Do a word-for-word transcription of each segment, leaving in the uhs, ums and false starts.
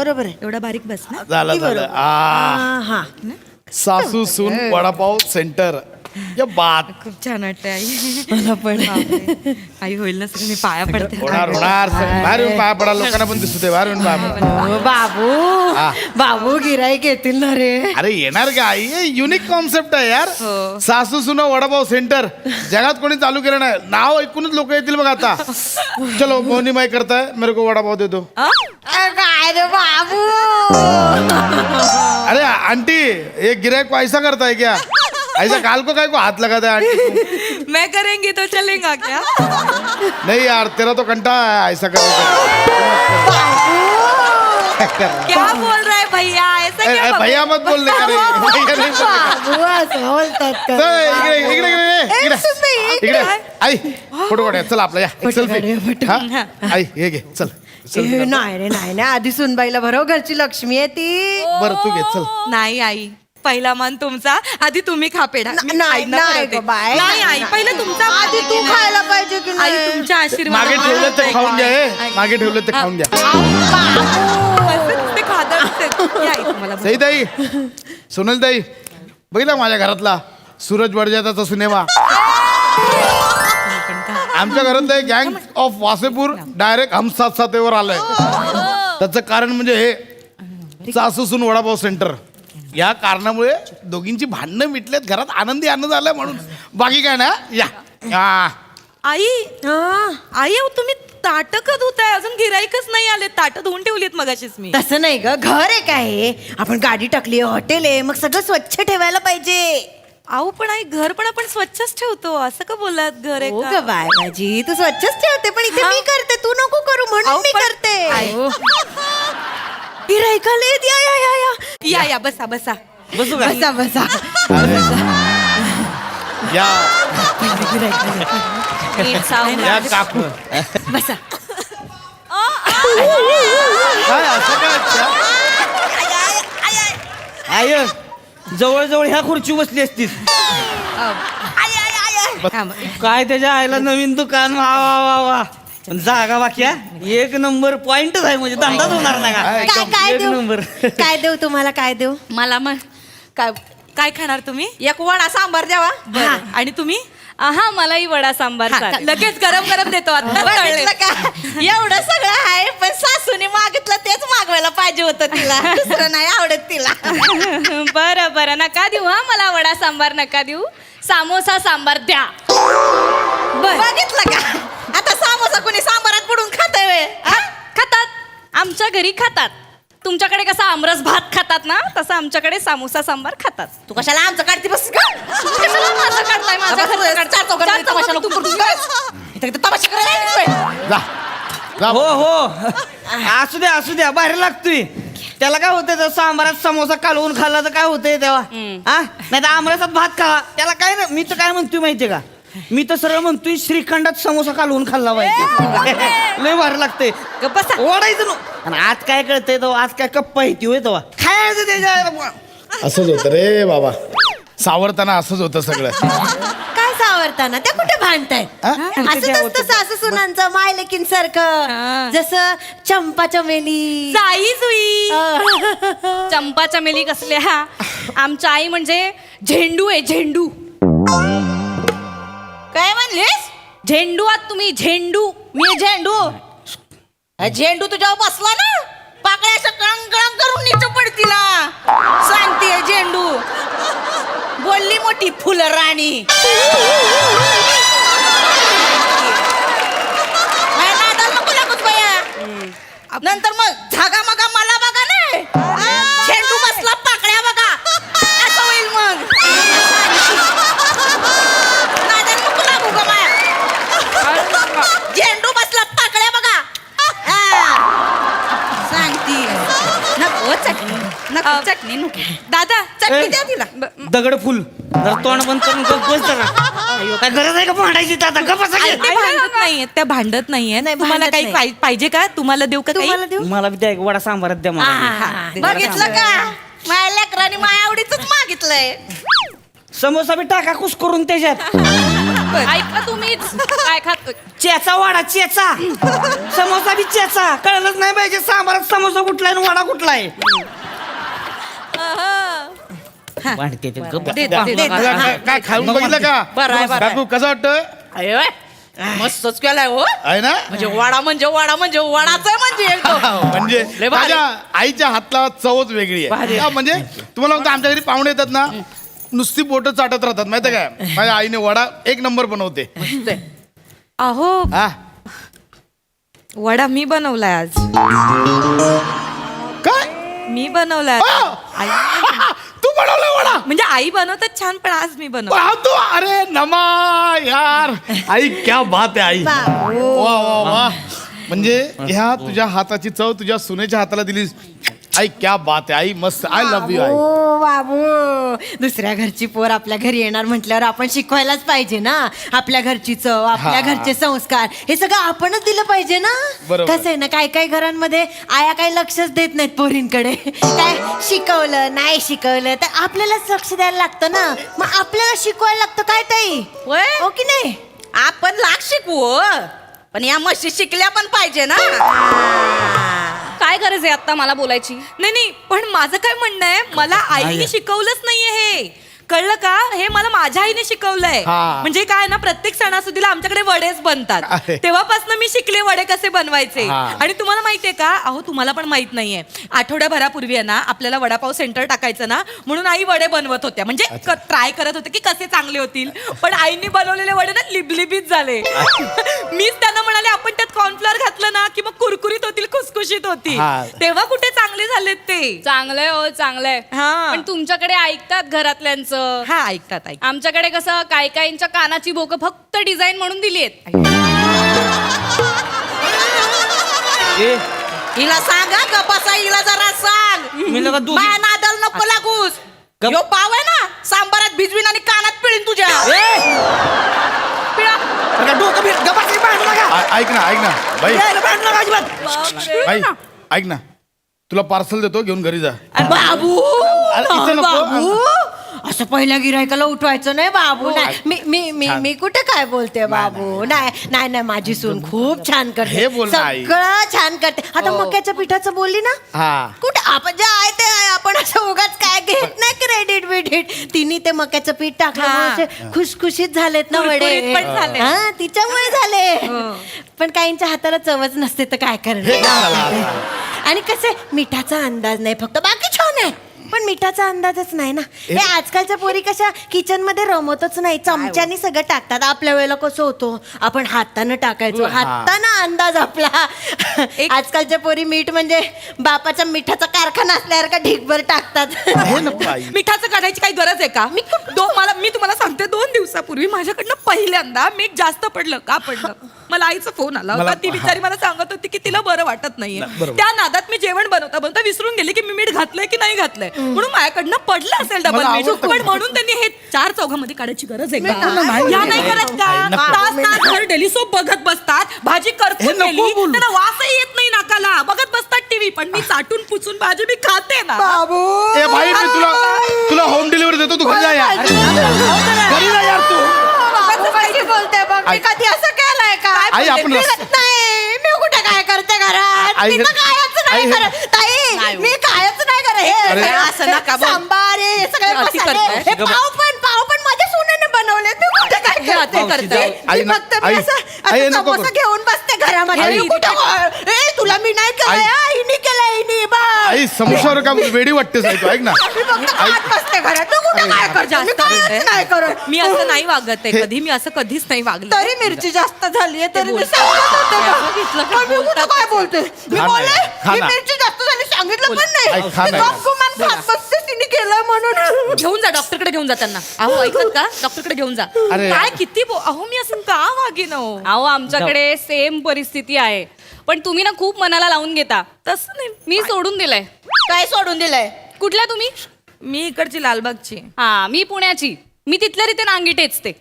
बरोबर आहे. एवढा बारीक बस ना. झालं झालं आ हा सासू सून वडापाव सेंटर या बात खूप छान वाटतंय आई. मला पण बापरे. आई होईल ना सगळं मी पाया पडते. होणार होणार बाहेर येऊन पाया पडा लोकांना पण दिसू दे बाहेर येऊन पाया पडा हो, बाबू हा. बाबू गिराईक येतील ना रे. अरे येणार का आई युनिक कॉन्सेप्ट आहे यार हो. सासू सुना वडापाव सेंटर जगात कोणी चालू केलं नाही नाव ऐकूनच लोक येतील बघ आता चलो मोहनी माई करताय मेरे को वडापाव दे दो काय रे बाबू. अरे आंटी ये गिराक को ऐसा करता है क्या ऐसा काल को काय को हाथ लगाता है आंटी मैं करेंगी तो चलेगा क्या. नहीं यार तेरा तो कंटा है ऐसा करने क्या बोल रहा है भैया ऐसा क्या का बाबा? भैया मत बोलने का रे भैया नाही बोलने का. बाबू असं बोलतात का? चल, इकडे इकडे इकडे इकडे सुनबाई, इकडे आई फोटो काढूया चल आपला या फोटो सेल्फी काढूया, फोटो. आई हे घे चल ए, नाही रे नाही ना आधी सुनबाईला बरोबर घरची लक्ष्मी आहे ती. बरं तू घे चल नाही आई पहिला मान तुमचा आधी तुम्ही खा पेढा. मी नाही, आईंना नाही बनवते. गं बाई. नाही आई पहिलं तुमचा आधी तू खायला पाहिजे की आई नाही. तुमच्या आशीर्वाद मागे ठेवलं ते खाऊन घ्या हे. मागे ठेवलं ते खाऊन घ्या ते खातात या आई तुम्हाला सई ताई सोनल ताई बघितला माझ्या घरातला सूरज बडजात्याचा सिनेमा आमच्या घरातलं गँग ऑफ वासेपूर डायरेक्ट हम साथ साथेवर आलंय त्याचं कारण म्हणजे हे सासू सून वडापाव सेंटर या कारणामुळे दोघींची भांडणं मिटलेत घरात आनंदी आनंद आलाय म्हणून बाकी काय ना या या. आई आई अहो, तुम्ही ताट का धुताय अजून गिराईकच नाही आले ताट धुवून ठेवलीत मगाशीच मी. तसं नाही ग घर आहे काय आपण गाडी टाकली हॉटेल आहे मग सगळं स्वच्छ ठेवायला पाहिजे. अहो पण आई घर पण आपण स्वच्छच ठेवतो असं का बोललात घर आहे हो का? ग बाय माझी तू स्वच्छच ठेवते पण इथे मी करते तू नको करू म्हणून अहो, मी पण- करते. आई. गिराईकाला येत या या या या या या बसा बसा बसू का बसा बसा या नीट सावधान. या काकू बसा. काय असं काय आय जवळ ह्या खुर्ची बसली असतीस काय त्याच्या आईला नवीन दुकान वा वा वा वा पण जागा बाक्या एक नंबर पॉइंटच आहे म्हणजे धंदाच होणार नाही का काय काय एक देऊ नंबर काय देऊ तुम्हाला काय देऊ. मला मग काय काय खाणार तुम्ही एक वडा सांबार द्यावा. बरं. आणि तुम्ही हा मलाही वडा सांबार हा, चालेल. लगेच गरम गरम देतो आता कळले. बघितलं का एवढं सगळं आहे पण सासूने मागितलं तेच मागवायला पाहिजे होतं तिला दुसरं नाही आवडत तिला. बरं बरं नका देऊ हा मला वडा सांबार नका देऊ सामोसा सांबार द्या. बघितलं का आता सामोसा कोणी सांबारात बुडून खातंय व्हय? हा? खातात आमच्या घरी खातात तुमच्याकडे कसा आमरस भात खातात ना तसं आमच्याकडे सामोसा सांबार खातात. तू कशाला आमचं काढते बस का कशाला माझं काढताय माझ्या घरचं काढताय? चार चौघात चार तमाशा चौघात नको तू- करू. इथं इथं तमाशा करायला येतेस व्हय? जा जा हो हो असू द्या असू द्या बाहेर लागतोय त्याला काय होतंय तर सांबारात समोसा कालवून खाल्ला तर काय होतंय तेव्हा हा नाही तर आमरसात भात खा त्याला काय नाही मी तर काय म्हणतोय माहितीये का मी तर सरळ म्हणतोय श्रीखंडात समोसा कालवून खाल्ला पाहिजे लय भारी लागतंय बसा. ओढायचं नो आणि आज काय कळतंय तो आज काय कप्पा येते होय तेव्हा खायचं त्याच्या असंच होतं रे बाबा सावरताना असंच होतं सगळं काय सावरताना त्या कुठे भांडतायत हा? असंच असतं सासू सुनांचं माय लेकीन सारखं हा. जसं चंपा चमेली. जाई जुई चंपा चमेली कसल्या आमच्या आई म्हणजे झेंडू आहे झेंडू. काय म्हणलीस झेंडू आहात तुम्ही झेंडू. मी झेंडू झेंडू तुझ्यावर बसला ना पाकळ्या असं कळंग कळंग करून नीच पडतीला सांगते झेंडू बोलली मोठी फुल राणी. माझ्या नादाला नको लागूच बया. नंतर मग झागा मगा मला बघा नाही झेंडू बसला पाकळ्या बघा असं होईल मग नादाला नको लागू ग माया. झेंडू बसला पाकळ्या बघा हा. सांगती नको चटणी नको अ, चटणी नको दादा चटणी द्या तिला. दगड फुल जरा तोंड बंद करून गप्प बस जरा अय्यो, काय गरज आहे का भांडायची तर आता गप्प बसा आई, की. ते भांडत नाहीये त्या भांडत नाहीये नाही, तुम्हाला भांडत काही नाही. पाहि- पाहिजे का तुम्हाला देऊ का काही तुम्हाला देऊ मला बी द्या एक वडा सांबारात द्या मला हा. बघितलं का माझ्या लेकरांनी माझ्या आवडीच मागितलंय. समोसा बी टाका कुस करून त्याच्यात पण. ऐका तुम्हीच काय खात चेचा वाडा चेचा समोसा बी चेचा कळलंच नाही पाहिजे सांबारात समोसा कुठला आहे आणि वडा कुठला आहे वाढते ते गप्प. दे, दे, दे. तुला काय काय खाऊन बघितलं का बरं आहे, बरं आहे. काकू कसं वाटतं अरे वा, मस्तच केलाय हो आहे ना म्हणजे वडा म्हणजे वडा म्हणजे वडाच आहे म्हणजे एकदम. म्हणजे लय भारी. माझ्या आईच्या हातला चवच वेगळी आहे हा, म्हणजे तुम्हाला म्हणतो आमच्या घरी पाहुणे येतात ना नुसती बोटं चाटत राहतात माहिती काय माझ्या आईने वडा एक नंबर बनवते मस्त आहे. अहो हा वडा मी बनवलाय आज काय मी बनवलाय आ! आई तू बनवला वडा म्हणजे आई बनवतात छान पण आज मी बनव वाह, तू अरे नमा यार आई क्या बात आहे आई वा वा वा म्हणजे ह्या तुझ्या हाताची चव तुझ्या सुनेच्या हाताला दिलीस आई क्या बात आहे आई मस्त आय लव्ह यू आई ओ बाबू दुसऱ्या घरची पोर आपल्या घरी येणार म्हटल्यावर आपण शिकवायलाच पाहिजे ना आपल्या घरची चव आपल्या हा. घरचे संस्कार हे सगळं आपणच दिलं पाहिजे ना बरोबर. कसं आहे ना काही काही घरांमध्ये आया काही लक्षच देत नाहीत पोरींकडे काय शिकवलं नाही शिकवलं तर आपल्यालाच लक्ष द्यायला लागतं ना मग आपल्याला शिकवायला लागतं काय ताई होय? हो की नाही आपण लाख शिकवू हो. पण या म्हशी शिकल्या पण पाहिजे ना काय गरज आहे आता मला बोलायची नाही नाही पण माझं काय म्हणणं आहे मला आईने शिकवलंच नाहीये हे कळलं का हे मला माझ्या आईने शिकवलंय हा. म्हणजे काय ना प्रत्येक सणासुदीला आमच्याकडे वडेच बनतात अरे. तेव्हापासून मी शिकले वडे कसे बनवायचे हा. आणि तुम्हाला माहितीये का अहो तुम्हाला पण माहित नाहीये आठवड्याभरापूर्वी आहे ना आपल्याला वडापाव सेंटर टाकायचं ना म्हणून आई वडे बनवत होत्या म्हणजे ट्राय करत होते की कसे चांगले होतील पण आईने बनवलेले वडे ना लिबलिबीत झाले मीच त्यांना म्हणाले आपण त्यात कॉर्नफ्लॉवर घातलं ना की मग कुरकुरीत होतील खुसखुशीत होतील हा. तेव्हा कुठे चांगले झालेत ते चांगलंय हो चांगलंय हा. पण तुमच्याकडे ऐकतात घरातल्यांचं हा ऐकतात ऐक आमच्याकडे कसं काय काहींच्या कानाची बोकं फक्त डिझाईन म्हणून दिली आहेत ए, हिला सांगा का बसा हिला जरा सांग मी लगा दूध माया नादाला नको लागूस गप. यो पाव आहे ना सांबारात भिजवीन आणि कानात पिळीन तुझ्या ए, पिळा बरं का, डोकं फिर गप्पाची भांडू नका आ- ऐक ना ऐक ना बाई यायला भांडू नका अजिबात बाई ऐक ना तुला पार्सल देतो घेऊन घरी जा बाबू अरे, इथं नको. बाबू असं पहिल्या गिरायकाला उठवायचं नाही बाबू नाही मी मी मी मी कुठे काय बोलते बाबू नाही नाही नाही माझी सून खूप छान करते हे बोल ना, आई. सगळं छान करते आता मक्याच्या पिठाचं बोलली ना हा कुठे आपण जे आहे ते आहे. आपण असं उगाच काय घेत नाही क्रेडिट बिडिट तिने ते मक्याचं पीठ टाकल्यामुळे हा. असे खुशखुशीत झालेत ना वडे कुरकुरीत पण झाले. हा तिच्यामुळे झाले पण काहींच्या हाताला चवच नसते तर काय करणार आणि कसे मिठाचा अंदाज नाही फक्त बाकी छान आहे पण मिठाचा अंदाजच नाही ना हे आजकालच्या पोरी कशा किचन मध्ये रमतच नाही चमच्यानी सगळं टाकतात आपल्या वेळेला कसं होतं आपण हातानं टाकायचो हातानं अंदाज आपला आजकालच्या पोरी मीठ म्हणजे बापाच्या मिठाचा कारखाना असल्यासारखा ढीकभर टाकतात हे नको आई मिठाचं काढायची काही गरज आहे का मी दो मला मी तुम्हाला सांगते दोन दिवसापूर्वी माझ्याकडनं पहिल्यांदा मीठ जास्त पडलं का पडलं मला आईचा फोन आला होता मला- ती बिचारी मला सांगत होती की तिला बरं वाटत नाहीये त्या नादात मी जेवण बनवता बनवता विसरून गेले की मी मीठ घातलंय की नाही घातलंय म्हणून माझ्याकडनं पडलं असेल डबल मला मीठ आवडतं. पण म्हणून त्यांनी हे चार चौघामध्ये काढायची गरज आहे नाही, का नाही. या नाही करत का आई, नको. तास तासभर डेली सोप बघत बसतात भाजी हे करपून नको गेली बोलू. त्यांना वासही येत नाही नाकाला बघत बसतात टीव्ही पण मी चाटून पुचून भाजी मी खाते ना बाबू ए भाई मी तुला तुला होम डिलिव्हरी देतो तू घरी जा यार घरी जा यार तू कशी बोलते बघ मी आई- कधी असं केलंय का आई, आपण मी- रस- नाही मी कुठे काय करते घरात आई- मी तर कायच आई- नाही करत ताई मी कायच नाही करत अरे. हे असं नका बोल. सांबार हे सगळे अति मसाले करताय. हे पाव पण पाव पण माझ्या सोन्याने बनवले मी कुठे काय करते अति करताय. आई मी न- फक्त मी आई- असं आई, असं नको समोसा करू. घेऊन बसते घरामध्ये आई- मी कुठं ए तुला मी नाही केलंय आई- हा, हिने केलंय हिने बा आई समोसावर का वेडी वाटतेस आई तू ऐक ना मी फक्त खात बसते घरात मी कुठे काय करते मी जास्त कायच बोलते. नाही करत मी असं नाही वागत आहे कधी मी असं कधीच नाही वागले तरी मिरची जास्त झाली तरी मी बोलतात. सांगत होते ते बा. बघितलं की पण मी कुठं बोलतात काय बोलते मी खा ना, बोलले खा मी ना. मिरची जास्त झाली सांगितलं पण नाही आई, खा मी ना. गपगुमान खात बसते तिने केलं म्हणून घेऊन जा डॉक्टरकडे घेऊन जा त्यांना अहो ऐकत का डॉक्टरकडे घेऊन जा अरे. काय किती बो- अहो मी असं का वागेन अहो? अहो आमच्याकडे सेम परिस्थिती आहे पण तुम्ही ना खूप मनाला लावून घेता तसं नाही मी सोडून दिलंय काय सोडून दिलंय कुठल्या तुम्ही मी इकडची लालबागची हा मी पुण्याची मी तिथल्या रीते नांगी टेचते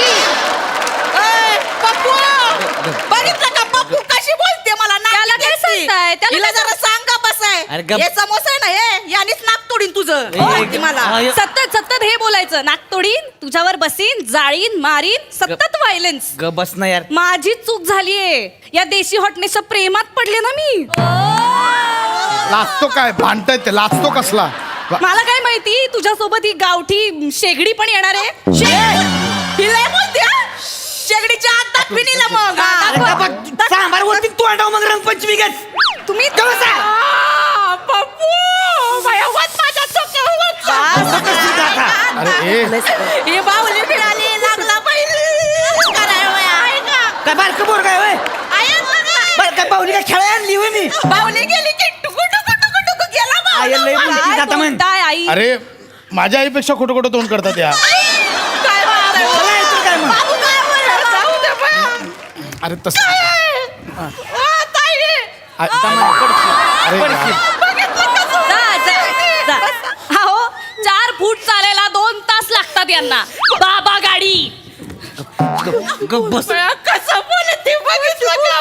ए, पप्पू बघितलं का पप्पू कशी बोलते मला त्याला नाकी काय टेकते. बोलताय? त्याला तिला काय जरा सांग का बसाय अरे गप. हे समोसा आहे ना हे यानेच नाक तोडीन तुझं ए, माहिती मला अय. सतत सतत हे बोलायचं नाक तोडीन तुझ्यावर बसीन जाळीन मारीन सतत व्हायलन्स ग बस ना यार. माझी चूक झालीये या देशी हॉटनेसच्या प्रेमात पडले ना मी लाचतो काय भांडतायत ते लाचतो कसला वा- मला काय माहिती तुझ्यासोबत ही गावठी शेगडी पण येणार आहे हिला बोलते हा? शेगडीच्या आत दाखवी निला मग हा, अरे दाखव. का बघ, सांबार वरती तू अंडाव मग रंगपंचमी गच. तुम्ही आ, बापू माझ्या वाट माझ्या डोक्यावर असं कसं जाता? अरे ए हे बाहुली मिळाली लागला पाहिजे करायला वय आहे का काय बारकं बोर काय होय? आहे बघा. बरं काय पाहुली काय खेळायला आणली होय मी? बाहुली गेली की टुकू टुकू टुकू टुकू गेला बाहुला आई लय माझा. बोलती जाता म्हण. काय आई अरे माझ्या आईपेक्षा खोटं खोटं तोंड करतात या काय बाळा? चला येतो काय मग? बाबू काय बोलला? जाऊ दे बा. अरे तसं ओ, ताई. आ- अरे यार. जा, जा, जा. हा हो चार फूट चालायला दोन तास लागतात यांना बाबा गाडी ग बस. बया, कसं बोलते बघितलं का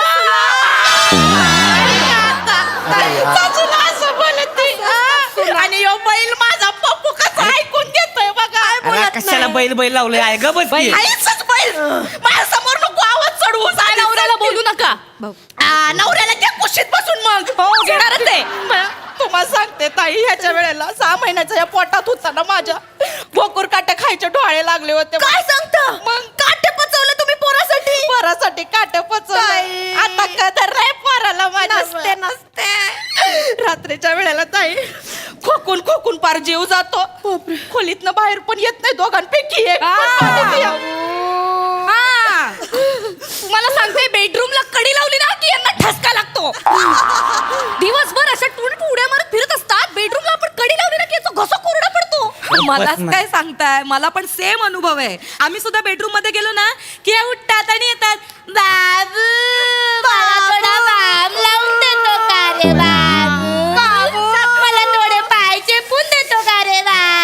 बया? सासूला असं बोलते. आणि यो बैल माझा पप्पू कसं ऐकून घेतोय बघा अरे कशाला बैल बैल लावलंय आहे ग बस की. आईचंच बैल माझ्या समोर नको आवाज चढवू काय नवऱ्याला बोलू नका आ, नवऱ्याला घ्या कुशीत बसून मग हो घेणारच आहे बया, तुम्हाला सांगते ताई ह्याच्या वेळेला सहा महिन्याच्या या पोटात होता ना माझ्या गोकुर काटे खायचे डोळे लागले होते काय सांगता मग काटे पचवले तुम्ही पोरासाठी पोरासाठी काटे पचवले आता कदर नाही पोराला माझ्या नसते नसते रात्रीच्या वेळेला ताई खोकून खोकून पार जीव जातो खोलीतनं बाहेर पण येत नाही दोघांपैकी एक पण पाणी पिया. हा. तुम्हाला सांगते बेडरूमला कडी लावली ना की यांना ठसका लागतो दिवसभर अशा टुण उड्या मारत फिरत असतात बेडरूमला आपण कडी लावली ना की याचा घसा कोरडा पडतो मलाच काय सांगताय मला पण सेम अनुभव आहे आम्ही सुद्धा बेडरूम मध्ये गेलो ना की उठतात आणि येतात बाबू मला थोडा बाम लावून देतो का रे बाबू मला थोडे पाय चेपून देतो का रे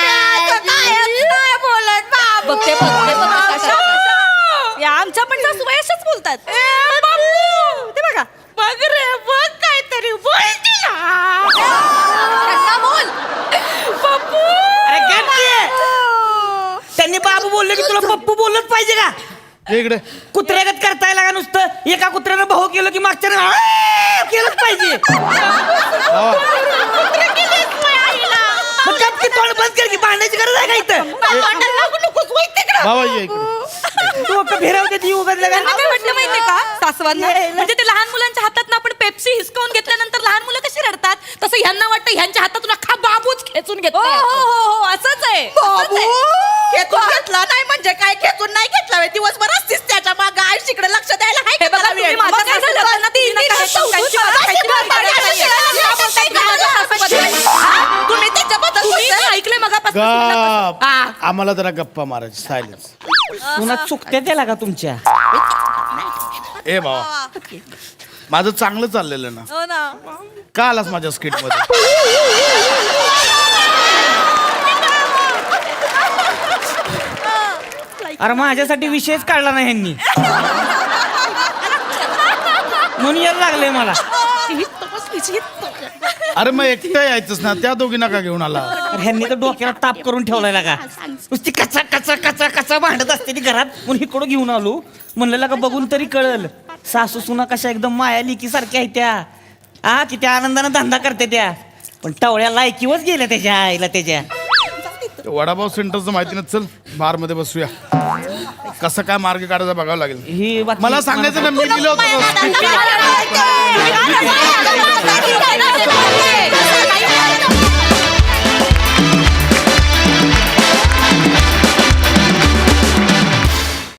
बोलत बाबू बघते बघते बघते या आमच्या पण सासूबाई अशाच बोलतात ते बघा बघ रे बघ काहीतरी बोल तिला त्यांना बोल पप्पू अरे गप की. त्यांनी बाबू बोलले की तुला पप्पू बोललंच पाहिजे का? ये इकडे कुत्र्यागत करताय लागा नुसतं एका कुत्र्यानं भाऊ केलं की मागच्या केलंच पाहिजे. वा. कुत्रे केले आईला मग गप की तोंड बंद कर की भांडायची गरज आहे का इथं? तोंडाला लागू नकोस वै तिकडं बाबा ये इकडे डोकं फिरवते ती उघडलं त्यांना काय का? वाटलं माहितीये का सासवांना म्हणजे ते लहान मुलांच्या हातात आपण पेप्सी हिसकावून घेतल्यानंतर लहान मुलं कशी रडतात तसं ह्यांना वाटतं ह्यांच्या हातातून अख्खा बाबूच खेचून हो घेतो हो हो हो असंच आहे असंच आहे. खेचून घेतला नाही म्हणजे काय खेचून नाही घेतला व्हय. दिवसभर असतीस त्याच्या मागं आयुष्यकडे लक्ष द्यायला हाय हे का बघा त्याला तुम्ही वेळ? माझं मग काय असं झालं ना ती तिने नका काय हेसकावून त्यांची त्यांची बाजू बाजू खायची खायची बाजू बाजू खायची. खायची. का बोलताय की माझ्या सासूबद्दल? हा? तुम्ही त्याच्याबद्दल तुम्ही बोलताय? ऐकलंय मगापासून गप हा. आम्हाला जरा गप्पा मारायची सायलेन्स पुन्हा चुकत्या त्याला का तुमच्या? ए बाबा माझं चांगलं चाललेलं ना हो ना का आलास माझ्या स्किट मध्ये अरे माझ्यासाठी विषयच काढला नाही ह्यांनी म्हणून यायला लागले मला. अरे मग एकटं यायचंच ना त्या दोघींना का घेऊन आला अरे ह्यांनी तर डोक्याला ताप करून ठेवलाय का नुसती कचा कचा कचा कचा भांडत असते ती घरात म्हणून इकडं घेऊन आलो म्हणलं का बघून तरी कळल सासू सुना कशा एकदम माया लिकी सारख्या आहेत त्या हा किती आनंदानं धंदा करते त्या पण टवळ्या लायकीवच गेल्या त्याच्या आईला त्याच्या. वडापाव सेंटरचं माहिती नाही चल बार मध्ये बसूया कसं काय मार्ग काढायचा बघावं लागेल ही बातमी मला सांगायचं ना मी दिलं होतं